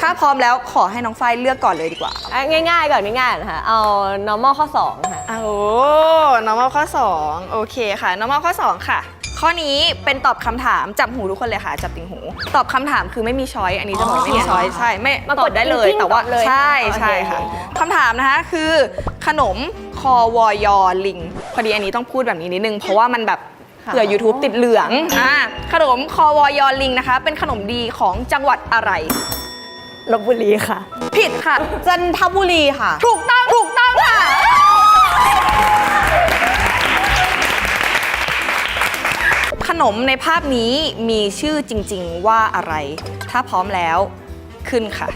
ถ้าพร้อมแล้วขอให้น้องฝ้ายเลือกก่อนเลยดีกว่าง่ายๆก่อนง่ายๆนะคะเอา normal ข้อ2ค่ะโอ้ normal ข้อ2โอเคค่ะ normal ข้อ2ค่ะข้อนี้เป็นตอบคำถามจับหูทุกคนเลยค่ะจับติ่งหูตอบคำถามคือไม่มีช้อยอันนี้จะบอกไม่มีช้อยใช่ไม่ตอบได้เลยแต่ว่าใช่ค่ะคำถามนะคะคือขนมคอวอยอลิงพอดีอันนี้ต้องพูดแบบนี้นิดนึงเพราะว่ามันแบบเผื่อ YouTube ติดเหลืองขนมคอวอยอลิงนะคะเป็นขนมดีของจังหวัดอะไรลพบุรีค่ะผิดค่ะจันทบุรีค่ะถูกต้องค่ะขนมในภาพนี้มีชื่อจริงๆว่าอะไรถ้าพร้อมแล้วขึ้นค่ะ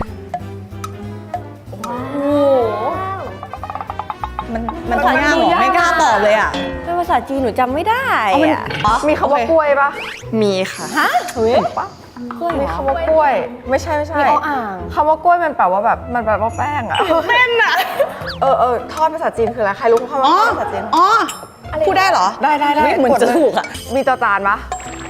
มันทำยากหรอไม่กล้าตอบเลยอ่ะเป็นภาษาจีนหนูจำไม่ได้อ่ะมีคำว่ากล้วยปะมีค่ะฮะเฮ้ยมีคำว่ากล้วยไม่ใช่มีอ่างคำว่ากล้วยมันแปลว่าแบบมันแปลว่าแป้งอะเต้นอะทอดภาษาจีนคืออะไรใครรู้คำว่าทอดภาษาจีนพูดได้เหรอได้เหมือนจะถูกอ่ะมีจอจานปะ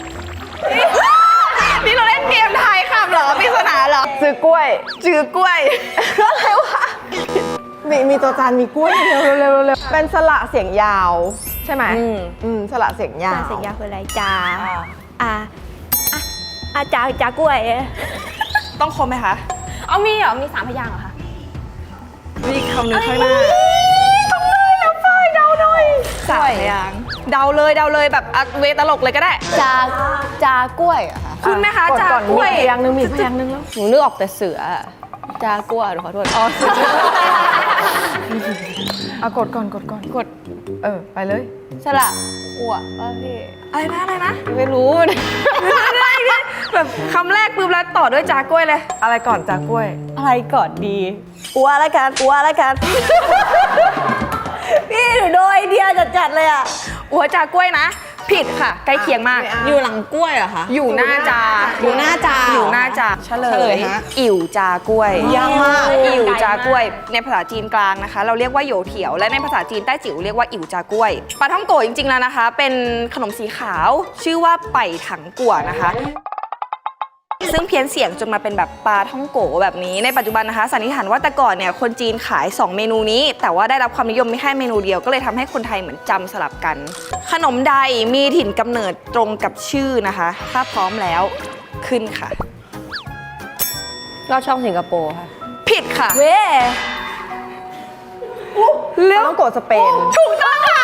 นี่เราเล่นเกมทายคำเหรอปริศนาเหรอจือกล้วยอะไรวะมีจอจานมีกล้วยเร็วเป็นสระเสียงยาวใช่ไหมสระเสียงยาวเสียงยาวคืออะไรจากล้วยต้องคมไหมคะมีเหรอมี3 พยางค์เหรอคะมีคำหนึ่งข้างหน้าต้องเลยแล้วฝ้ายเดาหน่อย 3 พยางค์เดาเลยแบบเวตลกเลยก็ได้จากล้วยอะค่ะคุณไหมคะจากล้วยพยางค์นึงมีพยางค์นึงแล้วหนูนึกออกแต่เสือจากล้วยขอโทษกดก่อนไปเลยสระอ้วป่ะพี่อะไรนะไม่รู้แบบคำแรกปุ๊บแล้วต่อด้วยจากล้วยเลยอะไรก่อนจากกล้วยอะไรก่อนดีอ้วแล้วกันพี่หนูโดนไอเดียจัดเลยอ่ะอัวจากล้วยนะผิดค่ะใกล้เคียงมากอยู่หลังกล้วยเหรอคะอยู่หน้าจาเฉลยอิ๋วจากล้วยยากมากอิ๋วจากล้วยในภาษาจีนกลางนะคะเราเรียกว่าโยเถียวและในภาษาจีนใต้จิ๋วเรียกว่าอิ๋วจากล้วยปลาท่องโกะจริงๆแล้วนะคะเป็นขนมสีขาวชื่อว่าไปถังกั่วนะคะซึ่งเพี้ยนเสียงจนมาเป็นแบบปลาท่องโกแบบนี้ในปัจจุบันนะคะสันนิษฐานว่าแต่ก่อนเนี่ยคนจีนขาย2 เมนูนี้แต่ว่าได้รับความนิยมไม่แค่เมนูเดียวก็เลยทำให้คนไทยเหมือนจำสลับกันขนมใดมีถิ่นกำเนิดตรงกับชื่อนะคะถ้าพร้อมแล้วขึ้นค่ะลอดช่องสิงคโปร์ค่ะผิดค่ะเว้เรื่องโกสเปนถูกต้องค่ะ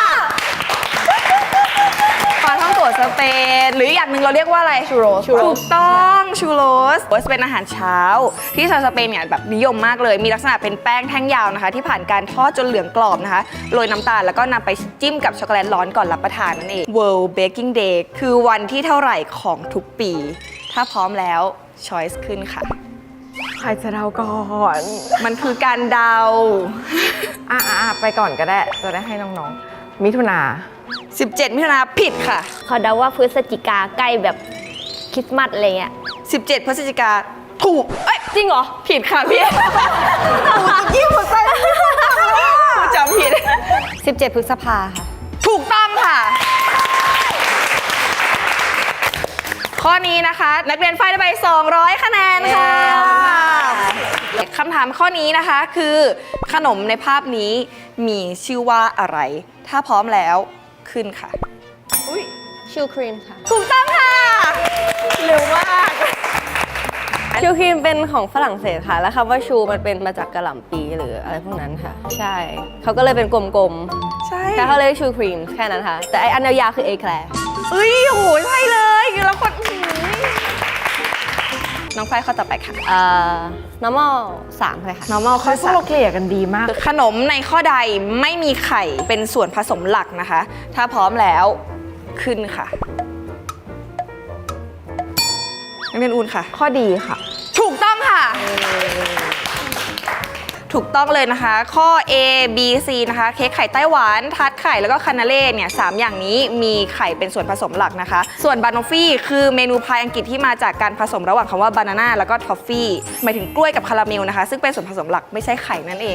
ปลาท่องโกสเปนหรืออย่างหนึ่งเราเรียกว่าอะไรชูโรสถูกต้องชูโรสเป็นอาหารเช้าที่ชาวสเปนเนี่ยแบบนิยมมากเลยมีลักษณะเป็นแป้งแท่งยาวนะคะที่ผ่านการทอดจนเหลืองกรอบนะคะโรยน้ำตาลแล้วก็นำไปจิ้มกับช็อกโกแลตร้อนก่อนรับประทานนั่นเอง World Baking Day คือวันที่เท่าไหร่ของทุกปีถ้าพร้อมแล้ว Choice ขึ้นค่ะใครจะเดาก่อนมันคือการเดาไปก่อนก็ได้จะได้ให้น้องๆมิถุนา 17 มิถุนาผิดค่ะเขาเดาว่าพฤศจิกาใกล้แบบคริสต์มาสอะไรเงี้ย 17 พฤศจิกาถูกจริงเหรอผิดค่ะพี่ยิ่งหัวใจจำผิด 17 พฤษภาค่ะถูกต้องค่ะข้อนี้นะคะนักเรียนฝ้ายได้ไป200 คะแนนค่ะคำถามข้อนี้นะคะคือขนมในภาพนี้มีชื่อว่าอะไรถ้าพร้อมแล้วขึ้นค่ะชูครีมค่ะถูกต้องค่ะเร็วมากชูครีมเป็นของฝรั่งเศสค่ะแล้วคำว่าชูมันเป็นมาจากกะหล่ำปีหรืออะไรพวกนั้นค่ะใช่เขาก็เลยเป็นกลมๆใช่แต่เขาเลยชูครีมแค่นั้นค่ะแต่ไออันยาวๆคือเอแคลร์โหใช่เลยแล้วคนน้องฝ้ายข้อต่อไปค่ะ normal 3เลยค่ะ normal ข้อ 3เราเกลี่ยกันดีมากขนมในข้อใดไม่มีไข่เป็นส่วนผสมหลักนะคะถ้าพร้อมแล้วขึ้นค่ะนักเรียนอุ่นค่ะข้อดีค่ะถูกต้องค่ะถูกต้องเลยนะคะข้อ A B C นะคะเค้กไข่ไต้หวันทาร์ตไข่แล้วก็คานาเล่เนี่ย3 อย่างนี้มีไข่เป็นส่วนผสมหลักนะคะส่วนบานอฟฟี่คือเมนูพายอังกฤษที่มาจากการผสมระหว่างคำว่าบานาน่าแล้วก็ทอฟฟี่หมายถึงกล้วยกับคาราเมลนะคะซึ่งเป็นส่วนผสมหลักไม่ใช่ไข่นั่นเอง